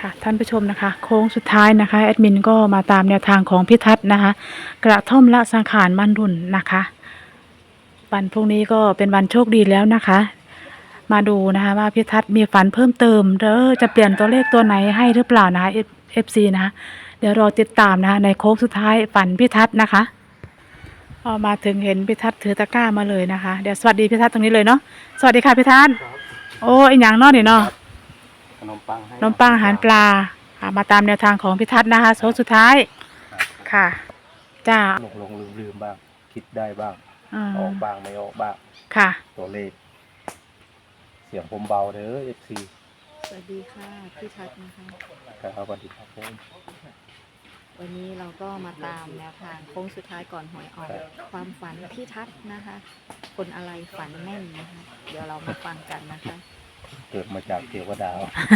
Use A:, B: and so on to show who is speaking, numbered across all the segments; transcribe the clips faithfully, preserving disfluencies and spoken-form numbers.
A: ค่ะท่านผู้ชมนะคะโค้งสุดท้ายนะคะแอดมินก็มาตามแนวทางของพิทัศน์นะคะกระท่อมละสังขารบรรลุนนะคะวันพรุ่งนี้ก็เป็นวันโชคดีแล้วนะคะมาดูนะคะว่าพิทัศน์มีฝันเพิ่มเติมเด้อจะเปลี่ยนตัวเลขตัวไหนให้หรือเปล่านะคะ เอฟ ซี นะคะเดี๋ยวรอติดตามนะคะในโค้งสุดท้ายฝันพิทัศน์นะคะพอมาถึงเห็นพิทัศน์ถือตะกร้ามาเลยนะคะเดี๋ยวสวัสดีพิทัศน์ตรงนี้เลยเนาะสวัสดีค่ะพิทัศน์โอ้ยอย่างนอนี่เนาะ
B: ขนมปังให้
A: ขนมปังอาหารปลาค่ะมาตามแนวทางของพิทัศน์นะคะโค้งสุดท้ายค่ะจ้า
B: หลงหลงลืมลืมบ้างคิดได้บ้าง
A: อ
B: ออกบ้างไม่ออกบ้าง
A: ค่ะ
B: ตัวเลขเสียงผมเบาเด้อเอฟซี
C: สวัสดีค่ะพี่ทัศน์นะคะ
B: ครับสวัสดีครับผม
C: วันนี้เราก็มาตามแนวทางโค้งสุดท้ายก่อนหวยออกความฝันพี่ทัศน์นะคะ คนอะไรฝันแม่นนะคะ เดี๋ยวเรามาฟังกันนะคะ
B: เกิดมาจากเทวดา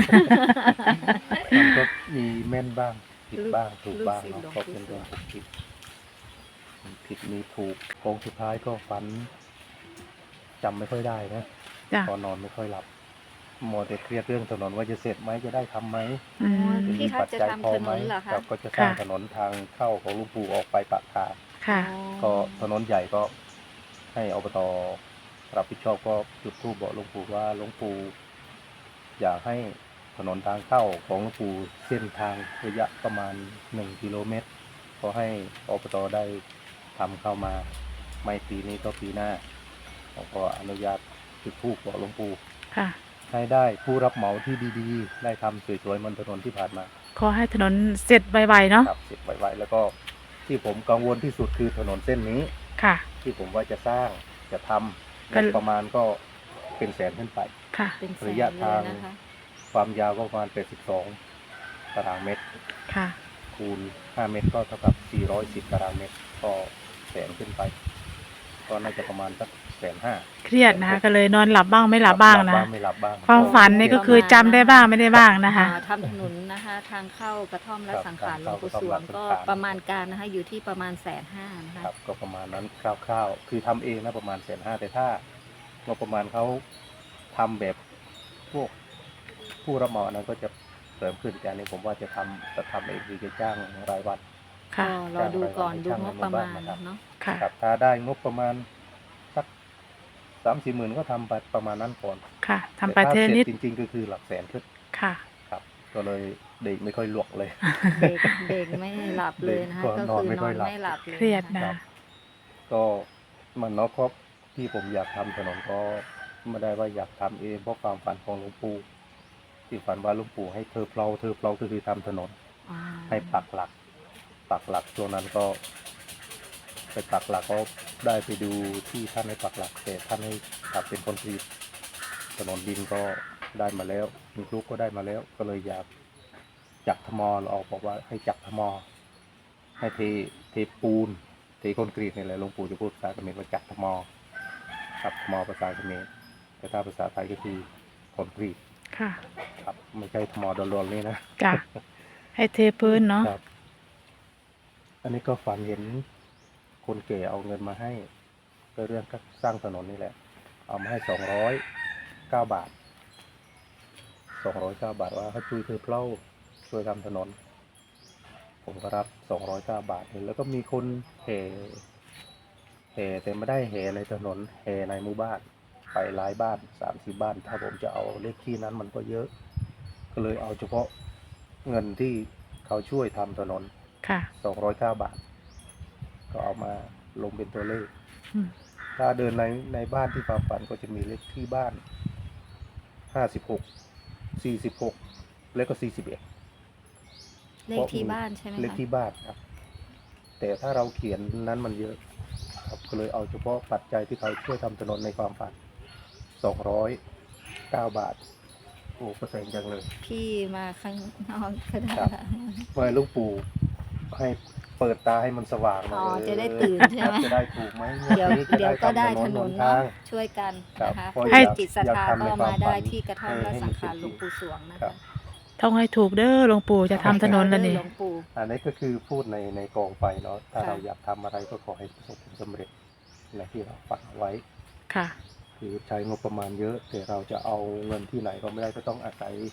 B: มันก็มีแม่นบ้างผิดบ้างถูกบ้างเนาะก็เป็นเรื่องของผิดผิดมีถูกโค้งสุดท้ายก็ฝันจำไม่ค่อยได้นะ
A: จ้า
B: ตอนนอนไม่ค่อยหลับมัวแต่เครียดเรื่องถนนว่าจะเสร็จไหมจะได้ทำไหม
A: อืม
C: พี่ทัศน์จะทำถนนเหรอคะ
B: ครับก็จะสร้าง
A: ค่ะ
B: ถนนทางเข้าของหลุงปู่ออกไปปากทาง
A: ค่ะ
B: ก็ถนนใหญ่ก็ให้อบตรับผิดชอบก็จุดธูปบอกหลวงปู่ว่าหลวงปู่อยากให้ถนนทางเข้าของหลวงปู่เส้นทางระยะประมาณหนึ่งกิโลเมตรขอให้อบตได้ทำเข้ามาไม่ปีนี้ก็ปีหน้าผมก็อนุญาตจุดธูปบอกหลวงปู่
A: ค่ะ
B: ให้ได้ผู้รับเหมาที่ดีๆ ได้ทำสวยๆเหมันถนนที่ผ่านมา
A: ขอให้ถนนเสร็จไวๆเนาะ
B: ครับเสร็จไวๆแล้วก็ที่ผมกังวลที่สุดคือถนนเส้นนี้
A: ค่ะ
B: ที่ผมว่าจะสร้างจะทำ
A: ก็
B: งบประมาณก็เป็นแสนขึ้นไป
A: ค่ะ
C: เป็นแสน
B: ระยะ
C: เล
B: ทาย ง
C: นะคะ
B: ความยาวก็ประมาณแปดสิบสองตารางเมตร
A: ค่ะ
B: คูณห้าเมตรก็เท่ากับสี่ร้อยสิบตารางเมตรก็แสนขึ้นไป ก็น่าจะประมาณสักแสนห้า
A: เครียดนะคะก็เลยนอนหลับบ้างไม่หลับบ้างนะ
B: ไม่หลับบ้าง
A: ความฝันนี่ก็คือจำได้บ้างไม่ได้บ้างนะคะ
C: อ่าทำถนนนะคะ ทางเข้ากระท่อมและสังขารหลวงปู่สวงก็ประมาณการนะคะ อยู่ที่ประมาณแสนห้านะคะ
B: ครับก็ประมาณนั้นคร่าวๆคือทำเองนะประมาณแสนห้าแต่ถ้างบประมาณเขาทำแบบพวกผู้รับเหมาอันนั้นก็จะเสริมขึ้นแต่อันนี้ผมว่าจะทำจะทำเองคือจะจ้างรายวัน
A: ค่ะ
C: ก็รอดูก่อนดูงบประมาณเนาะ
A: ค่ะ
B: ครับถ้าได้งบประมาณสักสามสี่หมื่นก็ทำไปประมาณนั้นก่อน
A: ค่ะทำไป
B: แต่
A: เท
B: ถ้า
A: นิด
B: สร็จจริงๆก็คือหลักแสนขึ้น
A: ค่ะ
B: ครับ ก็เลยเด็กไม่ค่อยหลวกเลย
C: เด็กเด็กไม่หลับเลยนะคะ
B: เด็กก็
C: ก็
B: นอน
C: คือ
B: ไม่
C: น
B: ค่
C: อ
B: อย
C: น
B: หลับ
C: ไม่หลับเลย
A: เครียด
C: นะ
A: นะ
C: คะ
B: ก็มันเนาะครับที่ผมอยากทำถนนก็ไม่ได้ว่าอยากทำเองเพราะความฝันของหลวงปู่ที่ฝันว่าหลวงปู่ให้เธอเพลาเธอเพลาก็คือทำถนน
C: อ่า
B: ให้ปักหลัก ปักหลักช่วงนั้นก็ไปปักหลักก็ได้ไปดูที่ท่านให้ปักหลักแต่ท่านให้ปักเป็นคอนกรีตถนนดินก็ได้มาแล้วดินคลุกก็ได้มาแล้ว ก็เลยอยากจักทมอเราออกบอกว่าให้จักทมอให้เทเทปูนเทคอนกรีตนี่แหละหลวงปู่จะพูดภาษาเขมรว่าจักทมอครับทมอภาษาเขมรแต่ถ้าภาษาไทยก็คือคอนกรีต
A: ค่ะ
B: ครับไม่ใช่ทมอดอนๆนี่นะ
A: จ้ะให้เทพื้นเนาะ
B: ครับ อันนี้ก็ฝันเห็นคนแก่เอาเงินมาให้ก็เรื่องก็สร้างถนนนี่แหละ เอามาให้สองร้อยเก้าบาทสองร้อยเก้าบาทว่าให้ช่วยเธอเพล่าช่วยทำถนน ผมก็รับสองร้อยเก้าบาทแล้วก็มีคนแห่แห่แต่ไม่ได้แห่ในถนนแห่ในหมู่บ้านไปหลายบ้านสามสิบบ้าน ถ้าผมจะเอาเลขที่นั้นมันก็เยอะ ก็เลยเอาเฉพาะเงินที่เขาช่วยทำถนน
A: ค่ะ
B: สองร้อยเก้าบาท ก็เอามาลงเป็นตัวเลข
A: อืม
B: ถ้าเดินในในบ้านที่ความฝันก็จะมีเลขที่บ้านห้าสิบหกสี่สิบหกแล้วก็สี่สิบเอ็ด
C: เลขที่บ้านใช่ไหม
B: เลข
C: คะ
B: ที่บ้านครับ แต่ถ้าเราเขียนนั้นมันเยอะครับก็เลยเอาเฉพาะปัจจัยที่เขาช่วยทำถนนในความฝันสองร้อยเก้าบาทโอ้ก็แพงจังเลย
C: พี่มาข้างนอกก็ได้
B: ครับ
C: ค่ะ
B: เมื่อหลูกปู่ให้เปิดตาให้มันสว่างหน่
C: อ๋
B: อ
C: อย
B: เออ
C: จะได้ตื่นใช่ไหม
B: ครับจะได้ถูกไหม
C: เดี๋ยว
B: นี้จะ
C: เดี๋ยวก็ได้
B: ทำ
C: ถนน
B: ห
C: เนาะ
B: ทาง
C: ช่วยกัน
B: ครับ
C: นะคะ
B: เพราะ
C: ให้
B: อยาก
C: จิตศรัท
B: อยาก
C: ธา
B: ทำใน
C: ก็
B: ความ
C: มาได้
B: ฝัน
C: ที่กระท่อม
B: ให้
C: และ
B: ให้
C: สัง
B: มัน
C: ขาร
B: เป็น
C: หลวงปู่สวงนะ
B: ครั
C: คะ
B: บ
A: ต้องให้ถูกเด้อหลวงปู่จะทำถนนแล้วนี่
C: หลวงปู่
B: อันนี้ก็คือพูดในในกองไฟเนาะถ้า
C: ค่ะ
B: เราอยากทำอะไรก็ขอให้ประสบผลสำเร็จในที่เราฝันเอาไว้
A: ค่ะ
B: คือใช้งบประมาณเยอะ แต่เราจะเอาเงินที่ไหนก็ไม่ได้ก็ต้องอาศัย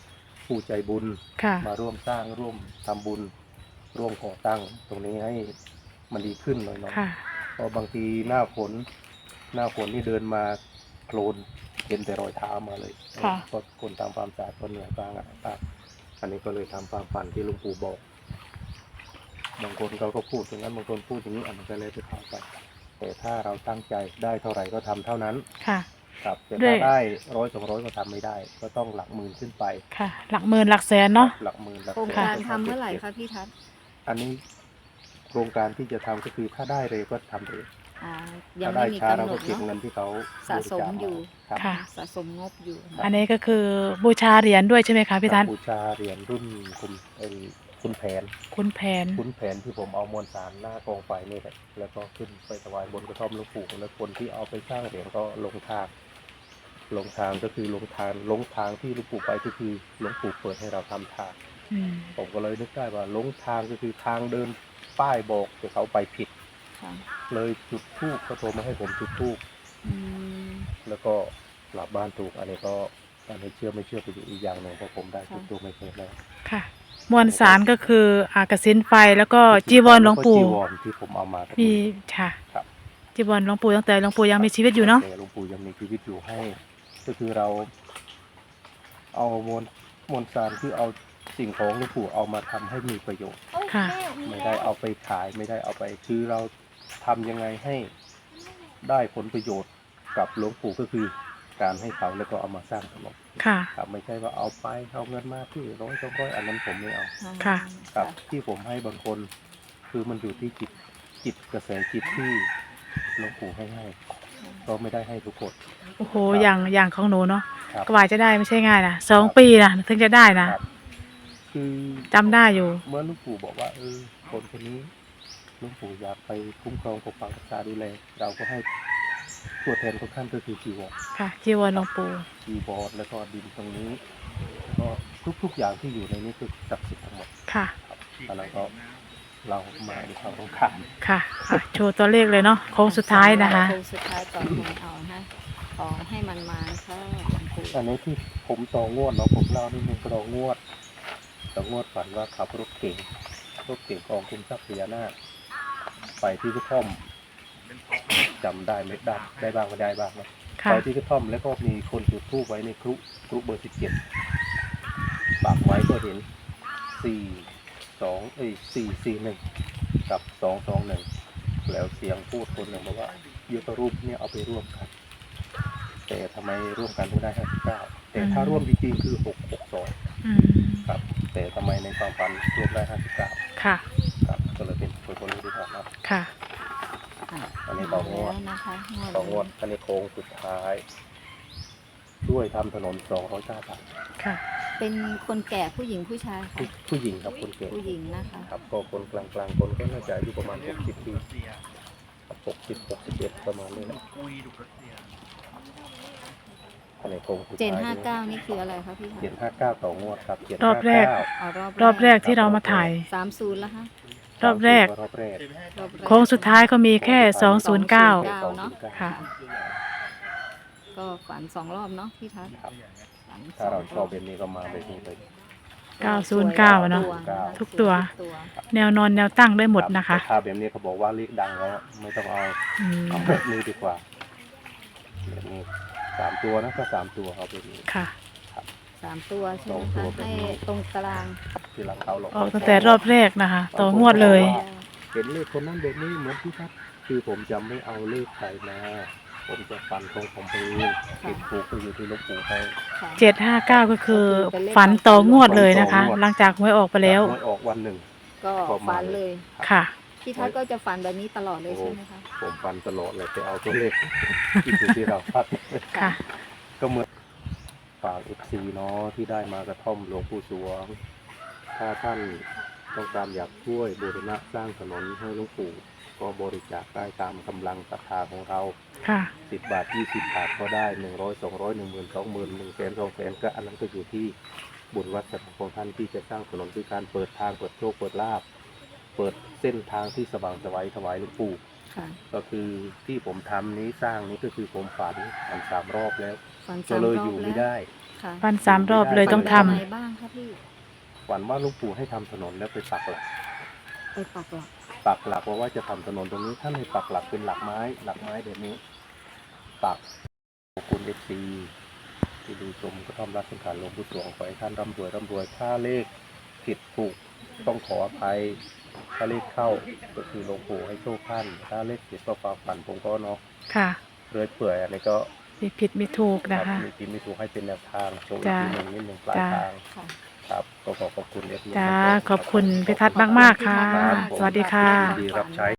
B: ผู้ใจบุญ
A: ค่ะ
B: มาร่วมสร้างร่วมทำบุญ ร่วมก่อตั้งตรงนี้ให้มันดีขึ้นหน่อยเนาะ
A: ค่ะ
B: เพราะบางทีหน้าฝนหน้าฝนนี่เดินมาโคลนเห็นแต่รอยเท้ามาเลย
A: ค่ะ
B: ก็คนทำความสะอาดก็เหนื่อยบ้างอะครับอันนี้ก็เลยทำความฝันที่หลวงปู่บอก บางคนเขาก็พูดอย่างนั้นบางคนพูดอย่างนี้อันนั้นก็เลยไปเข้าไปแต่ถ้าเราตั้งใจได้เท่าไหร่ก็ทำเท่านั้น
A: ค่ะ
B: ครับแต่
A: ด้ว
B: ถ้าย ได้ร้อยสองร้อยก็ทำไม่ได้ ก็ต้องหลักหมื่นขึ้นไป
A: ค่ะ หลักหมื่นหลักแสนเนาะ
B: หลักหมื่นหลัก
C: โครง
B: แสน
C: การ
B: ก็
C: ทำเมื่อไหร่
B: ก็บ
C: คะพี่ทัศน์
B: อันนี้โครงการที่จะทำก็คือถ้าได้เร็วก็ทำเร็ว
C: อ๋อยัง
B: ถ้า
C: ไม่
B: ได้
C: มี
B: ช้าก
C: ำ
B: เรา
C: หน
B: ก็
C: ด
B: เก็บ
C: เนาะ
B: เงินที่เขา
C: สะสมอยู่
B: ครับ
A: ค่ะ
C: สะสมงบอยู่
A: อันนี้ก็คือบูชาเหรียญด้วยใช่ไหมคะพี่ทัศน์
B: บูชาเหรียญรุ่นคุณเอ็นคุณแผน
A: คุณแผน
B: คุณแผนที่ผมเอามวลสารหน้ากองไฟนี่แหละแล้วก็ขึ้นไปถวายบนกระท่อมหลวงปู่แล้วคนที่เอาไปสร้างเหรียญก็ลงทางลงทางก็คือลงทางลงทางที่หลวงปู่ไปก็คือหลวงปู่เปิดให้เราทำทาง
A: อืม
B: ผมก็เลยนึกได้ว่าลงทางก็คือทางเดินป้ายบอกแต่เขาไปผิด
C: ค่ะ
B: เลยจุดธูปเขาโทรมาให้ผมจุดธูป
C: อืม
B: แล้วก็กลับบ้านถูกอันนี้ก็อันนี้เชื่อไม่เชื่อไปอยู่อีกอย่างหนึ่งเพราะผมได้จุดธูปไม่เคยแล้ว
A: ค่ะ มวลสารก็คืออากสินไฟแล้วก็จีวรหลวงปู่
B: จีวรที่ผมเอามาตรง
A: มี
B: นี้
A: ค่ะ
B: ครับ
A: จีวรหลวงปู่ตั้งแต่หลวงปู่ยังมีชีวิตอยู่เนาะ
B: แต่หลวงปู่ยังมีชีวิตอยู่ให้ ก็คือเรา เอามวลมวลสารคือเอาสิ่งของหลวงปู่เอามาทำให้มีประโยชน์
A: ค่ะ
B: ไม่ได้เอาไปขายไม่ได้เอาไปคือเราทำยังไงให้ได้ผลประโยชน์กับหลวงปู่ก็คือการให้เขาแล้วก็เอามาสร้างถนน
A: ค่ะ
B: ครับไม่ใช่ว่าเอาไปเอาเงินมาที่ร้อยสองร้อยอันนั้นผมไม่เอา
A: ค่ะ
B: ครับที่ผมให้บางคนคือมันอยู่ที่จิตจิตกระแสจิตที่หลวงปู่ให้ให้ก็ไม่ได้ให้ทุกคน
A: โอ้โห อย่างอย่างของหนูเนาะ
B: ครับ
A: กว่าจะได้ไม่ใช่ง่ายนะสองปีนะถึงจะได้นะ
B: ครับคือ
A: จำได้อยู่
B: เมื่อหลวงปู่บอกว่าเออคนคนนี้หลวงปู่อยากไปคุ้มครองปกปักรักษาดูแลเราก็ให้ตัวแทนของท่านก็คือจีวร
A: ค่ะ จีวรหลวงปู่
B: จีวรแล้วก็ดินตรงนี้แล้วก็ทุกๆอย่างที่อยู่ในนี้คือศักดิ์สิทธิ์ทั้งหมด
A: ค่ะ
B: ครับแล้วก็เรามาในความต้องการ
A: ค่ะอ่ะ โชว์ตัวเลขเลยเนาะ โค้งสุดท้ายนะคะ
C: โค้งสุดท้ายก่อนหวยออกนะขอให้มันมาค่ะหลวงปู่
B: อันนี้ที่ผมต่องวดเนาะผมเล่านิดนึงต่องวดต่องวดฝันว่าขับรถเก่งรถเก่งกองคุมทรัพย์พญานาคไปที่กระท่อมจำได้ไม่ได้ได้บ้างไม่ได้บ้างนะ
A: ค่ะ
B: ไปที่กระท่อมแล้วก็มีคนจุดธูปไว้ในครุครุเบอร์สิบเจ็ดปากไว้ก็เห็นสี่สองเอ้ยสี่สี่หนึ่งกับสองสองหนึ่งแล้วเสียงพูดคนหนึ่งบอกว่ายุทธรูปเนี่ยเอาไปร่วมกัน แต่ทำไมร่วมกันถึงได้ห้าสิบเก้าแต่ถ้าร่วมจริงๆคือหกหกสอง
A: อืม
B: ครับ แต่ทำไมในความฝันรวมได้ห้าสิบเก้า
A: ค่ะ
B: ครับก็เลยเป็นคนคนนี้ที่ถามนะ
A: ค่ะ
C: อ่ะ
B: อันนี้ต่องวด
C: แล้วนะคะ
B: ต่องวดอันนี้โค้งสุดท้าย ด้วยทำถนนสองร้อยเก้าบาท
A: ค่ะ
C: เป็นคนแก่ผู้หญิงผู้ชายค่ะ
B: ผู้ผู้หญิงครับคนเก่ง
C: ผู้หญิงนะคะ
B: ครับก็คนกลางๆคนก็น่าจะอายุประมาณหกสิบปีหกสิบหกสิบเอ็ดประมาณนี้แหละอันนี้โค้งสุด
C: เจน
B: ท้าย
C: ห้าเก้านี่คืออะไรคะพี่คะ
B: เจ็ดห้าเก้าต่องวดครับเจ็ด
A: รอบแรก
C: เอารอบ
A: รอบแรกที่เรามาถ่าย
C: สามศูนย์แล้วคะ
A: รอบแรก
B: รอบแรก
C: รอบแรก
A: โค้งสุดท้ายก็มีแค่สองศูนย์เก้า
C: เนาะ
A: ค่ะ
C: ก็ฝันสองรอบเนาะพี่ทัศน์
B: ครับ
C: ฝันส
B: ถ้า
C: อง
B: เรา
C: ร
B: ชอบแบบนี้ก็มาแบบนี้เลย
A: เก้าศูนย์เก้าอะเนาะ ทุกตัว แนวนอนแนวตั้งได้หมดนะคะ
B: แต่ถ้าแบบนี้เขาบอกว่าเลขดังแล้วไม่ต้องเอา
A: อืม
B: เอาแบบนี้ดีกว่าแบบนี้สามตัวนะก็สามตัวเอาแบบนี้
A: ค่ะ
C: สามตัวใช่ไหม
B: สองตั
C: คะ
B: วเป็น
C: ให้ตรงกลาง
B: ที่หลังเขาหรอก
A: ออกตั้งแต่รอบแรกนะคะ ต่องวดเลย
B: เห็นเลขคนนั้นแบบนี้เหมือนที่ทัดคือผมจะไม่เอาเลขใครมาผมจะฟันของผมเองติดถูกก็อยู่ที่หลูกปู่ให้
C: ค่ะ
A: เจ็ดห้าเก้าก็คือฝันต่องวดเลยนะคะ หลังจากหวยออกไปแล้ว
B: หวยออกวันหนึ่ง
C: ก็ฝันเลย
A: ค่ะ
C: พี่ทัศน์ก็จะฝันแบบนี้ตลอดเลยใช่ไหมคะ
B: ผมฟันตลอดเลยไปเอาตัวเลข ที่อยู่ที่เราพัด
A: ค่ะ
B: ก็เหมือนฝากเอฟซีเนาะที่ได้มากระท่อมหลวงปู่สวง ถ้าท่านต้องการอยากช่วยบูรณะสร้างถนนให้หลวงปู่ก็บริจาคได้ตามกำลังศรัทธาของเรา
A: ค่ะ
B: สิบบาทยี่สิบบาทก็ได้หนึ่งร้อยสองร้อยหนึ่งหมื่นสองหมื่นหนึ่งแสนสองแสนก็อันนั้นก็อยู่ที่บุญวัฒน์ของท่านที่จะสร้างถนนคือการเปิดทางเปิดโชคเปิดลาภเปิดเส้นทางที่สว่างไสวัยถวายหลวงปู่
C: ค่ะ
B: ก็คือที่ผมทำนี้สร้างนี้ก็คือผมฝันฝันสามรอบแล้ว
C: ฝัน
B: ก็
C: สาม
B: เลย
C: รอ
B: อบ ยู่
C: แล้
B: ไม่
C: ว
B: ได้
C: คค่ะ
A: ฟันสามรอบเลยต้องทำ
C: ฝันอะไรบ้างคะพี่
B: ฝันว่าหลุงปู่ให้ทำถนนแล้วไปปักหลัก
C: ไปปักหลัก
B: ปักหลักว่าว่าจะทำถนนตรงนี้ท่านให้ปักหลักเป็นหลักไม้หลักไม้แบบนี้ปักขอบคุณเอฟซีที่ดูชมกระท่อมรักสังขารหลวงปู่สวงขอให้ท่านร่ำรวยร่ำรวยถ้าเลขผิดถูกต้องขออภัยถ้าเลขเข้าก็คือหลวงปู่ให้โชคท่านถ้าเลขผิดก็ความฝันผมก็เนาะ
A: ค่ะ
B: เรื่อยเปื่อยอันนี้ก็
A: มีผิดมีถูกนะ
B: ครั
A: คะ
B: บมีผิดไม่ถูกให้เป็นแนวทางโชว์อีก
A: จ้า
B: ทีหนึ่งนิดหนึ่งปลาย
A: จ้า
B: ทาง
C: ค่ะ
B: ครับก็ขอขอบคุณเอฟซี
A: จ้าขอบคุณพิทัศน์มากๆค่ะ
B: ครับผม
A: สวัสดีค่ะ
B: ดีรับใช้